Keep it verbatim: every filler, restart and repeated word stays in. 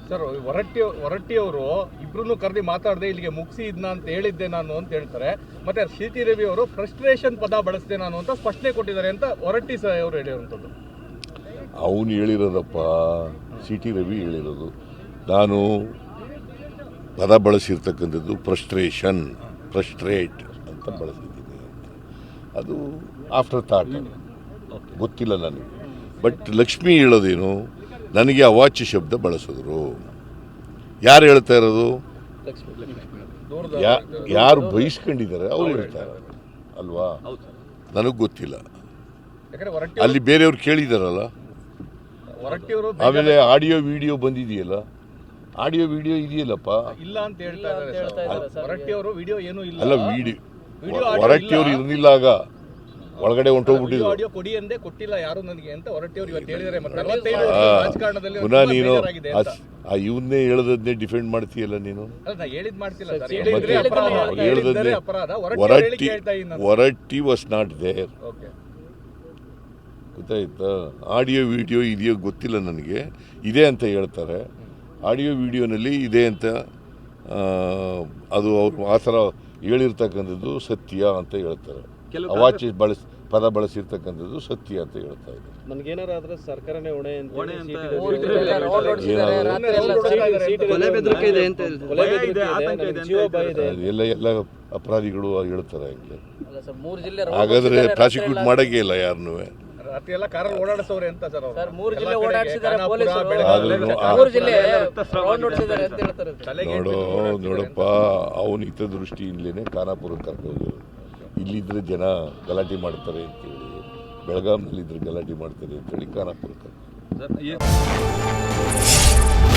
Sir Horatti Horatti ಅವರು ಇಬ್ರು ಕರೆದಿ ಮಾತಾಡದೆ ಇಲ್ಲಿಗೆ ಮುಗಿಸಿ ಇದನ್ನ ಅಂತ ಹೇಳಿದ್ದೆ ನಾನು ಅಂತ ಹೇಳ್ತಾರೆ. ಮತ್ತೆ ಸಿ ಟಿ ರವಿ ಅವರು ಫ್ರಸ್ಟ್ರೇಷನ್ ಪದ ಬಳಸಿದೆ ನಾನು ಅಂತ ಸ್ಪಷ್ಟನೆ ಕೊಟ್ಟಿದ್ದಾರೆ ಅಂತ ಹೊರಟ್ಟಿ ಸಹ ಅವರು ಹೇಳಿರುವಂಥದ್ದು. ಅವನು ಹೇಳಿರೋದಪ್ಪ, ಸಿ ಟಿ ರವಿ ಹೇಳಿರೋದು. ನಾನು ಪದ ಬಳಸಿರ್ತಕ್ಕಂಥದ್ದು ಫ್ರಸ್ಟ್ರೇಷನ್, ಫ್ರಸ್ಟ್ರೇಟ್ ಅಂತ ಬಳಸಿದ್ದೀನಿ ಅಂತ. ಅದು ಆಫ್ಟರ್ ಥಾಟ್, ಗೊತ್ತಿಲ್ಲ ನನಗೆ. ಬಟ್ ಲಕ್ಷ್ಮಿ ಹೇಳೋದೇನು, ನನಗೆ ಅವಾಚ್ಯ ಶಬ್ದ ಬಳಸಿದ್ರು. ಯಾರು ಹೇಳ್ತಾ ಇರೋದು? ಯಾರು ಬಯಸ್ಕೊಂಡಿದ್ದಾರೆ ಅವ್ರು ಹೇಳ್ತಾರೆ ಅಲ್ವಾ? ನನಗೆ ಗೊತ್ತಿಲ್ಲ. ಅಲ್ಲಿ ಬೇರೆಯವ್ರು ಕೇಳಿದಾರಲ್ಲ. ಆಮೇಲೆ ಆಡಿಯೋ ವಿಡಿಯೋ ಬಂದಿದೆಯಲ್ಲ, ಆಡಿಯೋ ವಿಡಿಯೋ ಇದೆಯಲ್ಲಪ್ಪ. ಇಲ್ಲ ಅಂತ ಹೇಳ್ತಾ ಇದ್ದಾರೆ ಹೊರಟ್ಟಿ ಅವರು. ವಿಡಿಯೋ ಏನೂ ಇಲ್ಲ. ಅಲ್ಲ, ವಿಡಿಯೋ ಹೊರಟ್ಟಿ ಅವರು ಇರಲಿಲ್ಲ, ಆಗ ಒಳಗಡೆ ಹೊಂಟೋಗ್ಬಿಟ್ಟಿದ್ರು. ಆಡಿಯೋ ಕೊಡಿ ಅಂದೇ ಕೊಟ್ಟಿಲ್ಲ ಯಾರು ನನಗೆ ಅಂತ ಹೊರಟ್ಟಿ ಅವರು ಇವತ್ತು ಹೇಳಿದ್ದಾರೆ. ರಾಜಕಾರಣದಲ್ಲಿ ಪುನಃ ನೀನು ಆ ಇವನ್ನೇ ಹೇಳದನ್ನೇ ಡಿಫೆಂಡ್ ಮಾಡ್ತೀಯಲ್ಲ ನೀನು. ಹೇಳದನ್ನೇ Horatti Horatti was not there. ಗೊತ್ತಾಯ್ತಾ? ಆಡಿಯೋ ವಿಡಿಯೋ ಇದೆಯೋ ಗೊತ್ತಿಲ್ಲ ನನಗೆ. ಇದೆ ಅಂತ ಹೇಳ್ತಾರೆ. ಆಡಿಯೋ ವಿಡಿಯೋನಲ್ಲಿ ಇದೆ ಅಂತ, ಅದು ಅವ್ರು ಆ ಥರ ಹೇಳಿರ್ತಕ್ಕಂಥದ್ದು ಸತ್ಯ ಅಂತ ಹೇಳ್ತಾರೆ. ಅವಾಚ್ಯ ಬಳಸಿ ಪದ ಬಳಸಿರ್ತಕ್ಕಂಥದ್ದು ಸತ್ಯ ಅಂತ ಹೇಳ್ತಾ ಇದ್ದಾರೆ. ನನಗೇನಾರ ಆದ್ರೆ ಸರ್ಕಾರನೇ ಹೊಣೆ ಅಂತ ಎಲ್ಲ ಎಲ್ಲ ಅಪರಾಧಿಗಳು ಹೇಳ್ತಾರೆ. ಹಂಗೆ ಹಾಗಾದ್ರೆ ಪ್ರಾಸಿಕ್ಯೂಟ್ ಮಾಡಕ್ಕೆ ಇಲ್ಲ ಯಾರನ್ನೂ. ನೋಡು ನೋಡಪ್ಪ, ಅವನ ಹಿತದೃಷ್ಟಿಯಿಂದಲೇ ಖಾನಾಪುರಕ್ಕೆ ಕರ್ಕೊಂಡು ಇಲ್ಲಿದ್ರೆ ಜನ ಗಲಾಟೆ ಮಾಡ್ತಾರೆ ಅಂತೇಳಿ, ಬೆಳಗಾಂನಲ್ಲಿದ್ರೆ ಗಲಾಟೆ ಮಾಡ್ತಾರೆ ಅಂತೇಳಿ ಖಾನಾಪುರಕ್ಕೆ.